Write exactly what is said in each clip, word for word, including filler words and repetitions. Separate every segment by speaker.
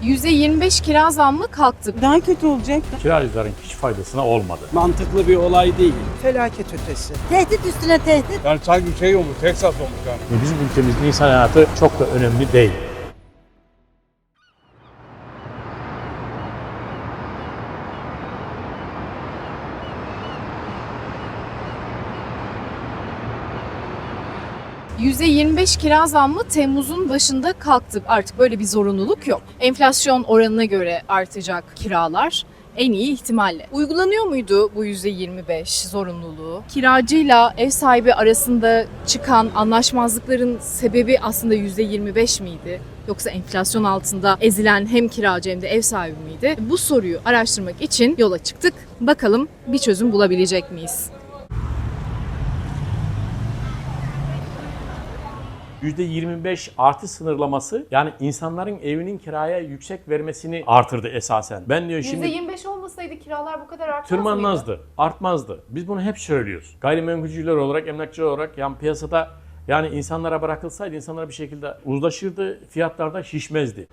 Speaker 1: yüzde yirmi beş kira zammı kalktı.
Speaker 2: Daha kötü olacak.
Speaker 3: Kiracıların hiç faydasına olmadı.
Speaker 4: Mantıklı bir olay değil.
Speaker 5: Felaket ötesi.
Speaker 6: Tehdit üstüne tehdit.
Speaker 4: Yani sanki şey olmuş, Texas olmuş yani.
Speaker 3: Bizim ülkemizde insan hayatı çok da önemli değil.
Speaker 1: yüzde yirmi beş kira zammı Temmuz'un başında kalktı. Artık böyle bir zorunluluk yok. Enflasyon oranına göre artacak kiralar en iyi ihtimalle. Uygulanıyor muydu bu yüzde yirmi beş zorunluluğu? Kiracıyla ev sahibi arasında çıkan anlaşmazlıkların sebebi aslında yüzde yirmi beş miydi? Yoksa enflasyon altında ezilen hem kiracı hem de ev sahibi miydi? Bu soruyu araştırmak için yola çıktık. Bakalım bir çözüm bulabilecek miyiz?
Speaker 3: yüzde yirmi beş artı sınırlaması yani insanların evinin kiraya yüksek vermesini artırdı esasen. Ben diyor şimdi
Speaker 1: yüzde yirmi beş olmasaydı kiralar bu kadar artmaz mıydı?
Speaker 3: tırmanmazdı, artmazdı. Biz bunu hep söylüyoruz. Gayrimenkulcüler olarak, emlakçılar olarak yani piyasada yani insanlara bırakılsaydı insanlar bir şekilde uzlaşırdı, fiyatlarda şişmezdi.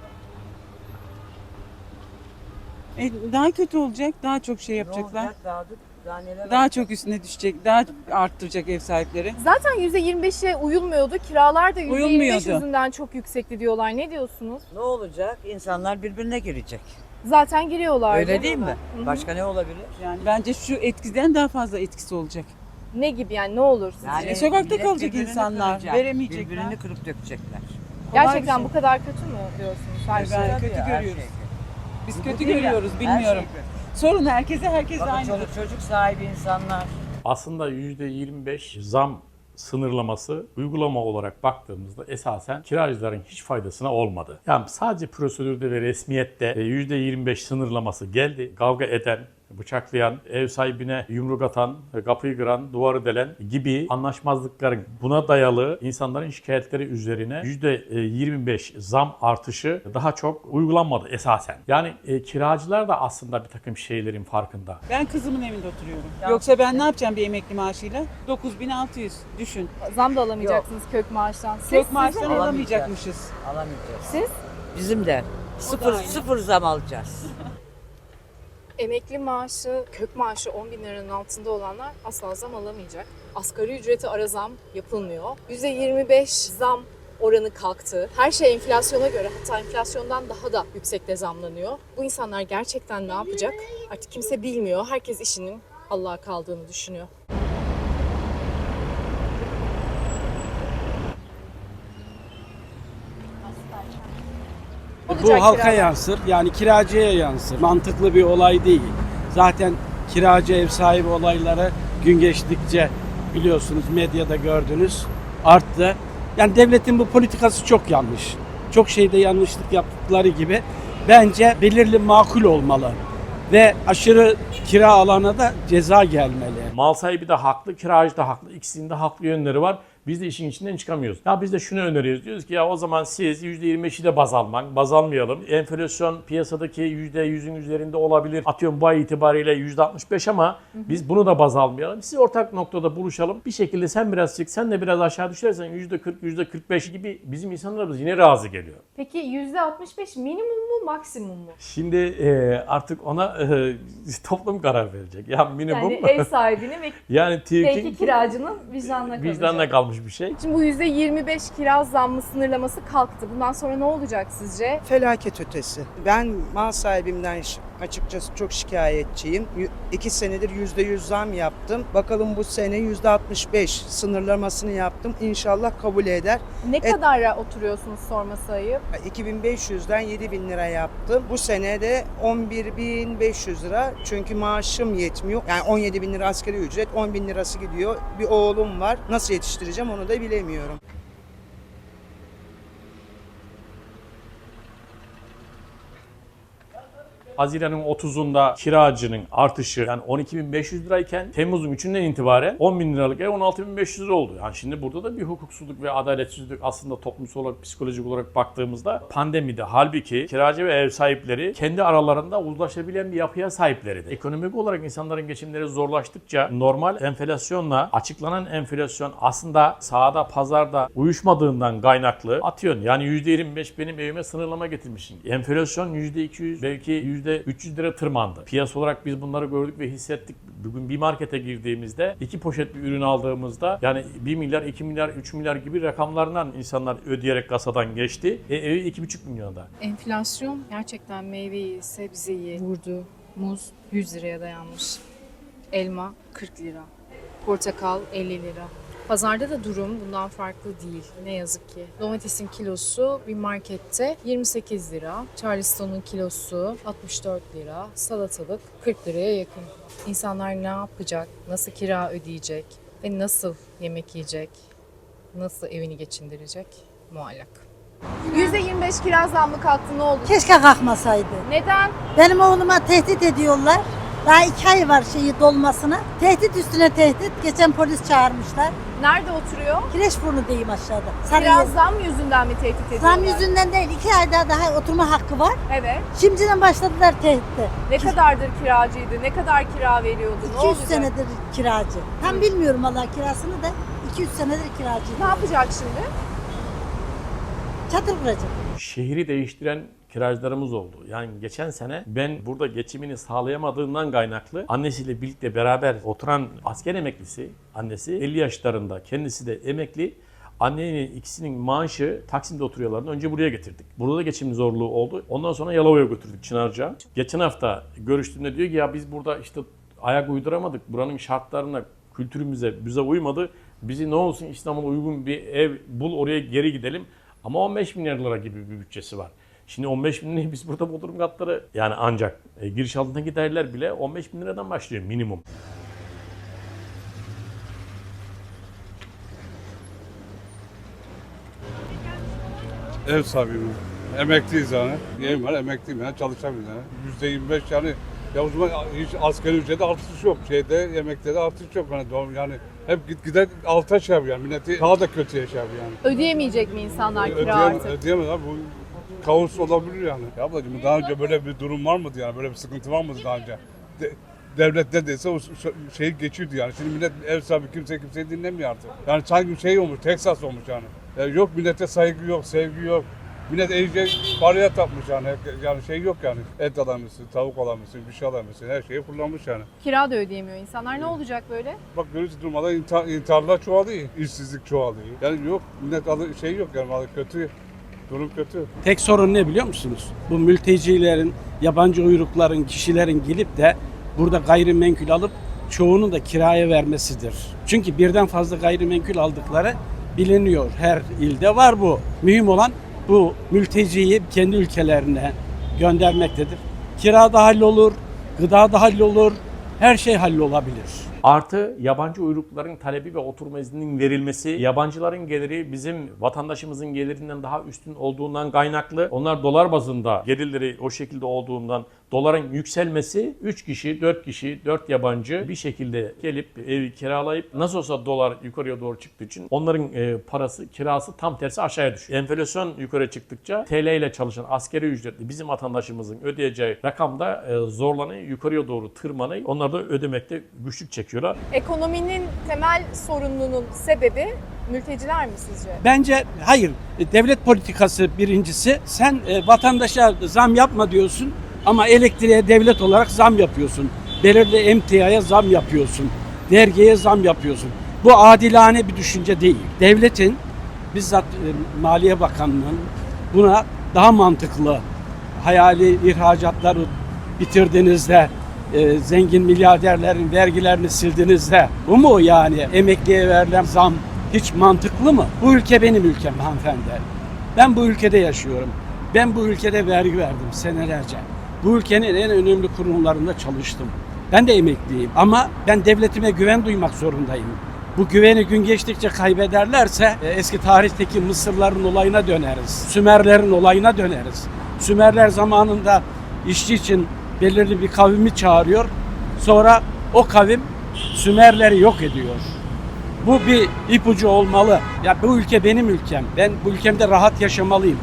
Speaker 2: E, daha kötü olacak. Daha çok şey yapacaklar.
Speaker 6: Olacak, daha, daha, neler
Speaker 2: Daha
Speaker 6: olacak?
Speaker 2: çok üstüne düşecek. Daha arttıracak ev sahipleri.
Speaker 1: Zaten yüzde yirmi beşe uyulmuyordu. Kiralar da yüzde yirmi beş
Speaker 2: Uyulmuyordu.
Speaker 1: yüzünden çok yüksekti diyorlar. Ne diyorsunuz?
Speaker 6: Ne olacak? İnsanlar birbirine girecek.
Speaker 1: Zaten giriyorlar.
Speaker 6: Öyle değil mi?
Speaker 1: Hı hı.
Speaker 6: Başka ne olabilir?
Speaker 2: Yani bence şu etkiden daha fazla etkisi olacak.
Speaker 1: Ne gibi yani ne olur sizce?
Speaker 6: Yani
Speaker 2: E, sokakta
Speaker 6: millet
Speaker 2: kalacak
Speaker 6: birbirini
Speaker 2: insanlar,
Speaker 6: kıracak,
Speaker 2: veremeyecekler.
Speaker 6: Birbirini kırıp dökecekler.
Speaker 1: Gerçekten
Speaker 2: şey.
Speaker 1: bu kadar kötü mü diyorsunuz? Her şey.
Speaker 2: Ben
Speaker 6: Tabii
Speaker 2: kötü
Speaker 6: ya, her
Speaker 2: görüyoruz.
Speaker 6: şey kötü.
Speaker 2: Biz
Speaker 6: Bu
Speaker 2: kötü
Speaker 6: değil ya,
Speaker 2: görüyoruz,
Speaker 6: her
Speaker 2: bilmiyorum.
Speaker 6: şey kötü.
Speaker 2: Sorun herkese, herkes
Speaker 6: Bakın
Speaker 2: aynı.
Speaker 6: çoluk çocuk sahibi insanlar.
Speaker 3: Aslında yüzde yirmi beş zam sınırlaması uygulama olarak baktığımızda esasen kiracıların hiç faydasına olmadı. Yani sadece prosedürde ve resmiyette yüzde yirmi beş sınırlaması geldi. Kavga eden, bıçaklayan, ev sahibine yumruk atan, kapıyı kıran, duvarı delen gibi anlaşmazlıkların buna dayalı insanların şikayetleri üzerine yüzde yirmi beş zam artışı daha çok uygulanmadı esasen. Yani e, kiracılar da aslında bir takım şeylerin farkında.
Speaker 2: Ben kızımın evinde oturuyorum.
Speaker 6: Ya.
Speaker 2: Yoksa ben ne yapacağım bir emekli maaşıyla? dokuz bin altı yüz düşün.
Speaker 1: Zam da alamayacaksınız kök maaştan. Siz,
Speaker 2: Kök
Speaker 1: siz
Speaker 2: maaştan
Speaker 1: ne?
Speaker 2: alamayacakmışız.
Speaker 6: Alamayacağız.
Speaker 1: Siz
Speaker 6: Bizim de sıfır,
Speaker 2: aynı.
Speaker 6: sıfır zam alacağız.
Speaker 1: emekli maaşı, kök maaşı on bin liranın altında olanlar asla zam alamayacak. Asgari ücreti ara zam yapılmıyor. yüzde yirmi beş zam oranı kalktı. Her şey enflasyona göre, hatta enflasyondan daha da yüksekte zamlanıyor. Bu insanlar gerçekten ne yapacak? Artık kimse bilmiyor. Herkes işinin Allah'a kaldığını düşünüyor.
Speaker 4: Bu
Speaker 1: Olacak
Speaker 4: halka
Speaker 1: kiralar.
Speaker 4: yansır, yani kiracıya yansır. Mantıklı bir olay değil. Zaten kiracı ev sahibi olayları gün geçtikçe biliyorsunuz medyada gördünüz arttı. Yani devletin bu politikası çok yanlış. Çok şeyde yanlışlık yaptıkları gibi bence belirli makul olmalı. Ve aşırı kira alana da ceza gelmeli.
Speaker 3: Mal sahibi de haklı, kiracı da haklı. İkisinin de haklı yönleri var. Biz de işin içinden çıkamıyoruz. Ya biz de şunu öneriyoruz. Diyoruz ki ya o zaman siz yüzde yirmi beşi de baz almak, baz almayalım. Enflasyon piyasadaki yüzde yüzün üzerinde olabilir. Atıyorum bu ay itibariyle yüzde altmış beş ama biz bunu da baz almayalım. Siz ortak noktada buluşalım. Bir şekilde sen biraz çık, sen de biraz aşağı düşersen yüzde kırk, yüzde kırk beş gibi bizim insanlarımız yine razı geliyor.
Speaker 1: Peki yüzde altmış beş minimum mu, maksimum mu?
Speaker 3: Şimdi e, artık ona e, toplum karar verecek. Ya minimum
Speaker 1: Yani ev sahibinin ve
Speaker 3: yani
Speaker 1: belki
Speaker 3: TÜİK'in
Speaker 1: kiracının vicdanına kalacak.
Speaker 3: vicdanına kalmış bir şey.
Speaker 1: Şimdi bu yüzde yirmi beş kira zammı sınırlaması kalktı. Bundan sonra ne olacak sizce?
Speaker 5: Felaket ötesi. Ben mal sahibimden ş- açıkçası çok şikayetçiyim. Y- İki senedir yüzde yüz zam yaptım. Bakalım bu sene yüzde altmış beş sınırlamasını yaptım. İnşallah kabul eder.
Speaker 1: Ne
Speaker 5: Et-
Speaker 1: kadara oturuyorsunuz sorması ayıp?
Speaker 5: iki bin beş yüzden yedi bin lira yaptım. Bu sene de on bir bin beş yüz lira. Çünkü maaşım yetmiyor. Yani on yedi bin lira asgari ücret, on bin lirası gidiyor. Bir oğlum var. Nasıl yetiştireceğim onu da bilemiyorum.
Speaker 3: Haziran'ın otuzunda kiracının artışı yani on iki bin beş yüz lirayken Temmuz'un üçünden itibaren on bin liralık ev on altı bin beş yüz lira oldu. Yani şimdi burada da bir hukuksuzluk ve adaletsizlik aslında toplumsal olarak, psikolojik olarak baktığımızda pandemide halbuki kiracı ve ev sahipleri kendi aralarında uzlaşabilen bir yapıya sahiplerdi. Ekonomik olarak insanların geçimleri zorlaştıkça normal enflasyonla açıklanan enflasyon aslında sahada, pazarda uyuşmadığından kaynaklı atıyorsun. Yani yüzde yirmi beş benim evime sınırlama getirmişsin. Enflasyon yüzde iki yüz belki yüzde üç yüz lira tırmandı. Piyasa olarak biz bunları gördük ve hissettik. Bugün bir markete girdiğimizde iki poşet bir ürün aldığımızda yani bir milyar, iki milyar, üç milyar gibi rakamlardan insanlar ödeyerek kasadan geçti. E, evi iki buçuk milyonda.
Speaker 1: Enflasyon gerçekten meyveyi, sebzeyi vurdu. Muz yüz liraya dayanmış. Elma kırk lira. Portakal elli lira. Pazarda da durum bundan farklı değil ne yazık ki. Domatesin kilosu bir markette yirmi sekiz lira, Charleston'un kilosu altmış dört lira, salatalık kırk liraya yakın. İnsanlar ne yapacak, nasıl kira ödeyecek ve nasıl yemek yiyecek, nasıl evini geçindirecek muallak. yüzde yirmi beş kira zammı kalktı, ne oldu?
Speaker 7: Keşke kalkmasaydı.
Speaker 1: Neden?
Speaker 7: Benim oğluma tehdit ediyorlar. Daha iki ay var şeyi dolmasına. Tehdit üstüne tehdit. Geçen polis çağırmışlar.
Speaker 1: Nerede oturuyor?
Speaker 7: Kireçburnu diyeyim aşağıda.
Speaker 1: Kira
Speaker 7: Sarıyer.
Speaker 1: zam yüzünden mi tehdit ediyorlar?
Speaker 7: Zam yüzünden değil. iki ay daha, daha oturma hakkı var.
Speaker 1: Evet.
Speaker 7: Şimdiden başladılar tehditte.
Speaker 1: Ne kadardır kiracıydı? Ne kadar kira veriyordu? Ne
Speaker 7: iki yüz
Speaker 1: olacak?
Speaker 7: senedir kiracı. Tam bilmiyorum Allah kirasını da. iki yüz senedir kiracıydı.
Speaker 1: Ne yapacak şimdi?
Speaker 7: Çadır kuracak.
Speaker 3: Şehri değiştiren kiracılarımız oldu. Yani geçen sene ben burada geçimini sağlayamadığından kaynaklı annesiyle birlikte beraber oturan asker emeklisi, annesi elli yaşlarında, kendisi de emekli. Annenin ikisinin maaşı Taksim'de oturuyorlardı. Önce buraya getirdik. Burada da geçim zorluğu oldu. Ondan sonra Yalova'ya götürdük, Çınarca'ya. Geçen hafta görüştüğümde diyor ki ya biz burada işte ayak uyduramadık. Buranın şartlarına, kültürümüze, bize uymadı. Bizi ne olsun İstanbul'a uygun bir ev bul, oraya geri gidelim. Ama on beş milyar lira gibi bir bütçesi var. Şimdi on beş bin lirayı biz burada bodrum katları yani ancak e, giriş altındaki daireler bile on beş bin liradan başlıyor minimum.
Speaker 8: Ev sahibiyim. Emekliyiz yani. Evim var, emekliyim yani, çalışamıyorum yani. yüzde yirmi beş yani, ya o zaman hiç asgari ücrette artış yok. Şeyde, yemekte de artış yok. Yani, doğum, yani hep git gider alta şey yapıyor yani, milleti daha da kötü yaşıyor yani.
Speaker 1: Ödeyemeyecek mi insanlar kira
Speaker 8: Ödeyemez,
Speaker 1: artık?
Speaker 8: ödeyemez abi, bu kaos olabilir yani. Ya ablacığım daha önce böyle bir durum var mıydı yani, böyle bir sıkıntı var mıydı daha önce? De, devlet ne dese o şeyi geçiyordu yani. Şimdi millet ev sahibi kimse kimseyi dinlemiyor artık. Yani sanki şey olmuş, Texas olmuş yani. yani yok millete saygı yok, sevgi yok. Millet iyice paraya tapmış yani. Yani şey yok yani. Et alamıyorsun, tavuk alamıyorsun, bir şey alamıyorsun. Her şeyi kullanmış yani.
Speaker 1: Kira da ödeyemiyor insanlar. Ne olacak böyle?
Speaker 8: Bak görüyorsun durmadan intihar, intiharlar çoğalıyor. İşsizlik çoğalıyor. Yani yok millet alı, şey yok yani, vallahi kötü. Durum kötü.
Speaker 4: Tek sorun ne biliyor musunuz? Bu mültecilerin, yabancı uyrukların, kişilerin gelip de burada gayrimenkul alıp çoğunu da kiraya vermesidir. Çünkü birden fazla gayrimenkul aldıkları biliniyor. Her ilde var bu. Mühim olan bu mülteciyi kendi ülkelerine göndermektedir. Kira da hallolur, gıda da hallolur, her şey hallolabilir.
Speaker 3: Artı yabancı uyrukluların talebi ve oturma izninin verilmesi, yabancıların geliri bizim vatandaşımızın gelirinden daha üstün olduğundan kaynaklı. Onlar dolar bazında gelirleri o şekilde olduğundan doların yükselmesi, üç kişi, dört kişi, dört yabancı bir şekilde gelip evi kiralayıp nasıl olsa dolar yukarıya doğru çıktığı için onların e, parası, kirası tam tersi aşağıya düşüyor. Enflasyon yukarı çıktıkça T L ile çalışan askeri ücretli bizim vatandaşımızın ödeyeceği rakam da e, zorlanıyor, yukarıya doğru tırmanıyor. Onlar da ödemekte güçlük çekiyorlar.
Speaker 1: Ekonominin temel sorununun sebebi mülteciler mi sizce?
Speaker 4: Bence hayır. Devlet politikası birincisi. Sen e, vatandaşa zam yapma diyorsun ama elektriğe devlet olarak zam yapıyorsun. Belirli emtiaya zam yapıyorsun. Vergiye zam yapıyorsun. Bu adilane bir düşünce değil. Devletin bizzat e, Maliye Bakanlığı'nın buna daha mantıklı hayali ihracatları bitirdiğinizde e, zengin milyarderlerin vergilerini sildiğinizde bu mu yani emekliye verilen zam hiç mantıklı mı? Bu ülke benim ülkem hanımefendi. Ben bu ülkede yaşıyorum. Ben bu ülkede vergi verdim senelerce. Bu ülkenin en önemli kurumlarında çalıştım. Ben de emekliyim ama ben devletime güven duymak zorundayım. Bu güveni gün geçtikçe kaybederlerse e, eski tarihteki Mısırların olayına döneriz. Sümerlerin olayına döneriz. Sümerler zamanında işçi için belirli bir kavimi çağırıyor. Sonra o kavim Sümerleri yok ediyor. Bu bir ipucu olmalı. Ya bu ülke benim ülkem. Ben bu ülkemde rahat yaşamalıyım.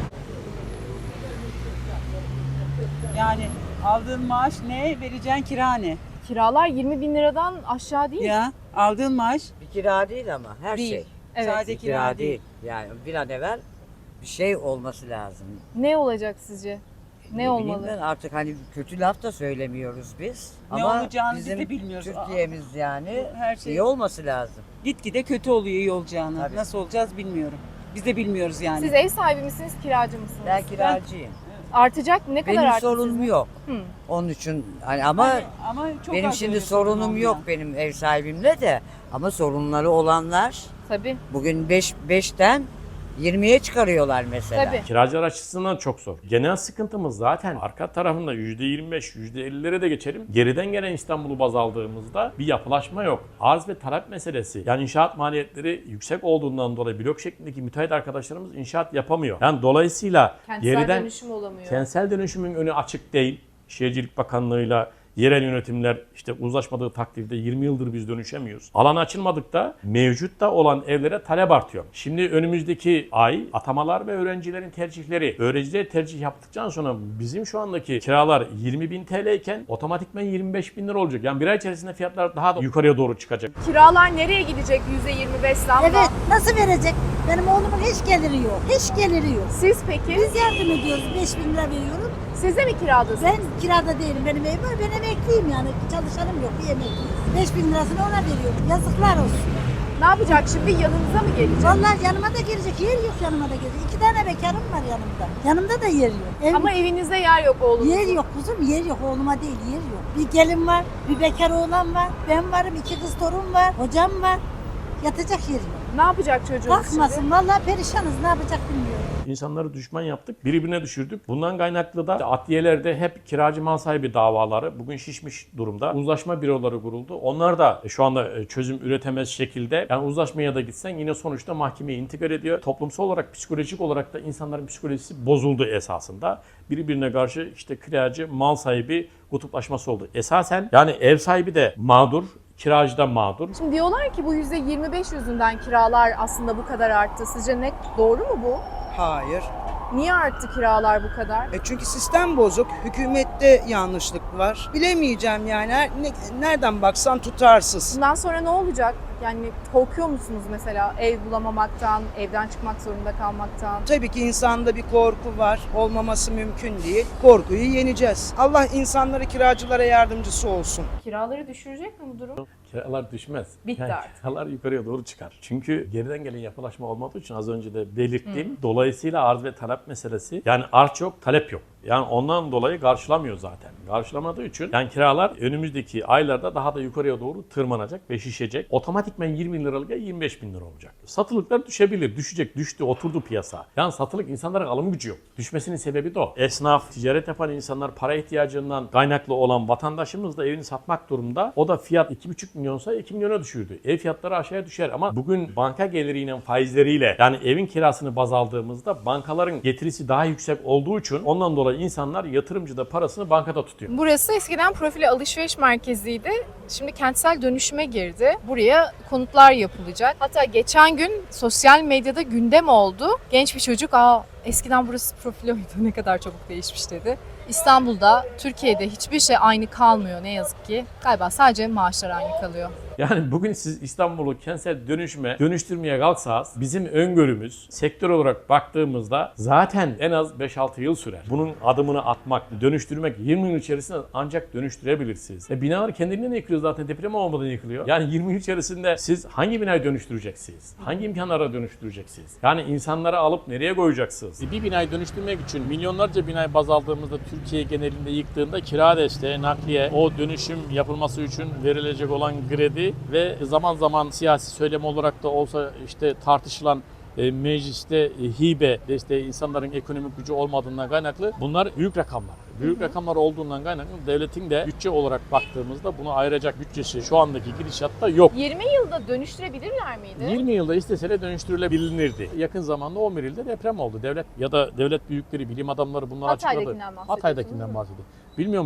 Speaker 2: Yani aldığın maaş ne, vereceğin kira ne?
Speaker 1: Kiralar yirmi bin liradan aşağı değil.
Speaker 2: Ya aldığın maaş
Speaker 6: Bir kira değil ama her
Speaker 1: Değil.
Speaker 6: şey.
Speaker 1: Evet.
Speaker 2: sadece
Speaker 6: Bir
Speaker 2: kira, değil.
Speaker 6: Yani bir an evvel bir şey olması lazım.
Speaker 1: Ne olacak sizce? Ne
Speaker 6: bileyim
Speaker 1: olmalı?
Speaker 6: ben, artık hani kötü laf da söylemiyoruz biz.
Speaker 2: Ne
Speaker 6: ama
Speaker 2: olacağını biz
Speaker 6: bizim
Speaker 2: de bilmiyoruz.
Speaker 6: Türkiye'miz yani
Speaker 2: Her şey-
Speaker 6: iyi olması lazım.
Speaker 2: Gitgide kötü oluyor iyi olacağını.
Speaker 6: Tabii.
Speaker 2: Nasıl olacağız bilmiyorum. Biz de bilmiyoruz yani.
Speaker 1: Siz ev sahibi misiniz, kiracı mısınız?
Speaker 6: Ben kiracıyım.
Speaker 1: Artacak ne kadar
Speaker 6: Benim
Speaker 1: arttı
Speaker 6: sorunum
Speaker 1: sizin?
Speaker 6: yok.
Speaker 1: Hı.
Speaker 6: Onun için hani ama
Speaker 2: Ama, ama çok
Speaker 6: benim
Speaker 2: az
Speaker 6: şimdi
Speaker 2: öyle sorun
Speaker 6: sorunum
Speaker 2: olmayan.
Speaker 6: yok benim ev sahibimle de. Ama sorunları olanlar
Speaker 1: Tabii.
Speaker 6: bugün beş beşten yirmiye çıkarıyorlar mesela.
Speaker 1: Tabii.
Speaker 3: Kiracılar açısından çok zor. Genel sıkıntımız zaten arka tarafında yüzde yirmi beş, yüzde ellilere de geçelim. Geriden gelen İstanbul'u baz aldığımızda bir yapılaşma yok. Arz ve talep meselesi. Yani inşaat maliyetleri yüksek olduğundan dolayı blok şeklindeki müteahhit arkadaşlarımız inşaat yapamıyor. Yani dolayısıyla
Speaker 1: Kentsel
Speaker 3: geriden
Speaker 1: dönüşüm olamıyor.
Speaker 3: kentsel dönüşümün önü açık değil. Şehircilik Bakanlığı'yla yerel yönetimler işte uzlaşmadığı takdirde yirmi yıldır biz dönüşemiyoruz. Alan açılmadıkta mevcutta olan evlere talep artıyor. Şimdi önümüzdeki ay atamalar ve öğrencilerin tercihleri, öğrenciler tercih yaptıktan sonra bizim şu andaki kiralar yirmi bin T L iken otomatikman yirmi beş bin lira olacak. Yani bir ay içerisinde fiyatlar daha da yukarıya doğru çıkacak.
Speaker 1: Kiralar nereye gidecek yüzde yirmi beş zamla?
Speaker 7: Evet, nasıl verecek? Benim oğlumun hiç geliri yok. Hiç geliri yok.
Speaker 1: Siz peki?
Speaker 7: Biz yardım ediyoruz. beş bin lira veriyorum.
Speaker 1: Siz de mi kiradasınız?
Speaker 7: Ben kirada değilim. Benim evim var. Ben emekliyim yani. Çalışanım yok. Bir emekliyim. beş bin lirasını ona veriyorum. Yazıklar olsun.
Speaker 1: Ne yapacak şimdi? Yanınıza mı gelecek?
Speaker 7: Vallahi yanıma da gelecek. Yer yok yanıma da gelecek. İki tane bekarım var yanımda. Yanımda da yer yok. Ev,
Speaker 1: Ama evinizde yer yok oğlunuzun.
Speaker 7: yer yok kuzum. Yer yok. Oğluma değil. Yer yok. Bir gelin var. Bir bekar oğlan var. Ben varım. iki kız torun var. Hocam var. Yatacak yer yok.
Speaker 1: Ne yapacak çocuğunuz
Speaker 7: Bakmasın.
Speaker 1: şimdi?
Speaker 7: Vallahi perişanız. Ne yapacak bilmiyorum.
Speaker 3: İnsanları düşman yaptık, birbirine düşürdük. Bundan kaynaklı da adliyelerde hep kiracı mal sahibi davaları bugün şişmiş durumda. Uzlaşma büroları kuruldu. Onlar da şu anda çözüm üretemez şekilde. Yani uzlaşmaya da gitsen yine sonuçta mahkemeye intikal ediyor. Toplumsal olarak, psikolojik olarak da insanların psikolojisi bozuldu esasında. Birbirine karşı işte kiracı mal sahibi kutuplaşması oldu. Esasen yani ev sahibi de mağdur, kiracı da mağdur.
Speaker 1: Şimdi diyorlar ki bu yüzde yirmi beş yüzünden kiralar aslında bu kadar arttı. Sizce ne? Doğru mu bu?
Speaker 5: Hayır.
Speaker 1: Niye arttı kiralar bu kadar?
Speaker 5: E çünkü sistem bozuk. Hükümette yanlışlık var. Bilemeyeceğim yani. Her- ne- nereden baksan tutarsız.
Speaker 1: Bundan sonra ne olacak? Yani korkuyor musunuz mesela ev bulamamaktan, evden çıkmak zorunda kalmaktan?
Speaker 5: Tabii ki insanda bir korku var. Olmaması mümkün değil. Korkuyu yeneceğiz. Allah insanları kiracılara yardımcısı olsun.
Speaker 1: Kiraları düşürecek mi bu durum?
Speaker 3: Kiralar düşmez.
Speaker 1: Bitti
Speaker 3: Yani
Speaker 1: artık.
Speaker 3: kiralar yukarıya doğru çıkar. Çünkü geriden gelen yapılaşma olmadığı için az önce de belirttiğim dolayısıyla arz ve talep meselesi yani arz yok talep yok. Yani ondan dolayı karşılamıyor zaten. Karşılamadığı için yani kiralar önümüzdeki aylarda daha da yukarıya doğru tırmanacak ve şişecek. Otomatikman yirmi bin liralık ya yirmi beş bin lira olacak. Satılıklar düşebilir. Düşecek. Düştü. Oturdu piyasa. Yani satılık insanların alım gücü yok. Düşmesinin sebebi de o. Esnaf, ticaret yapan insanlar para ihtiyacından kaynaklı olan vatandaşımız da evini satmak durumda. O da fiyat iki buçuk milyonsa iki milyona düşürdü. Ev fiyatları aşağıya düşer ama bugün banka geliriyle faizleriyle yani evin kirasını baz aldığımızda bankaların getirisi daha yüksek olduğu için ondan dolayı insanlar yatırımcı da parasını bankada tutuyor.
Speaker 1: Burası eskiden profili alışveriş merkeziydi. Şimdi kentsel dönüşüme girdi. Buraya konutlar yapılacak. Hatta geçen gün sosyal medyada gündem oldu. Genç bir çocuk, aa eskiden burası profiloydu ne kadar çabuk değişmiş dedi. İstanbul'da, Türkiye'de hiçbir şey aynı kalmıyor ne yazık ki. Galiba sadece maaşlar aynı kalıyor.
Speaker 3: Yani bugün siz İstanbul'u kentsel dönüşüme, dönüştürmeye kalksanız bizim öngörümüz sektör olarak baktığımızda zaten en az beş altı yıl sürer. Bunun adımını atmak, dönüştürmek yirmi yıl içerisinde ancak dönüştürebilirsiniz. E binalar kendiliğinden yıkılıyor zaten deprem olmadan yıkılıyor. Yani yirmi yıl içerisinde siz hangi binayı dönüştüreceksiniz? Hangi imkanlara dönüştüreceksiniz? Yani insanları alıp nereye koyacaksınız? E bir binayı dönüştürmek için milyonlarca binayı baz aldığımızda Türkiye genelinde yıktığında kira desteği, nakliye, o dönüşüm yapılması için verilecek olan kredi ve zaman zaman siyasi söylem olarak da olsa işte tartışılan e, mecliste e, hibe desteği insanların ekonomik gücü olmadığından kaynaklı bunlar büyük rakamlar. Büyük rakamlar olduğundan kaynaklı devletin de bütçe olarak baktığımızda bunu ayıracak bütçesi şu andaki gidişatta yok.
Speaker 1: yirmi yılda dönüştürebilirler miydi?
Speaker 3: yirmi yılda isteseler dönüştürülebilirdi. Yakın zamanda on bir ilde deprem oldu. Devlet ya da devlet büyükleri, bilim adamları bunlar açıkladı.
Speaker 1: Hatay'dakinden bahsediyorsunuz,
Speaker 3: Hatay'dakinden
Speaker 1: değil mi?
Speaker 3: bahsediyor. Bilmiyor muydu?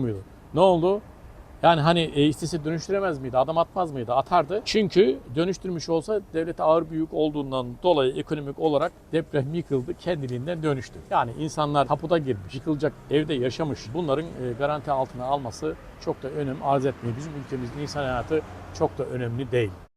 Speaker 3: Ne oldu? Yani hani e, istese dönüştüremez miydi? Adam atmaz mıydı? Atardı. Çünkü dönüştürmüş olsa devlete ağır bir yük olduğundan dolayı ekonomik olarak deprem yıkıldı, kendiliğinden dönüştü. Yani insanlar tapuda girmiş, yıkılacak evde yaşamış. Bunların e, garanti altına alması çok da önem arz etmiyor. Bizim ülkemizde insan hayatı çok da önemli değil.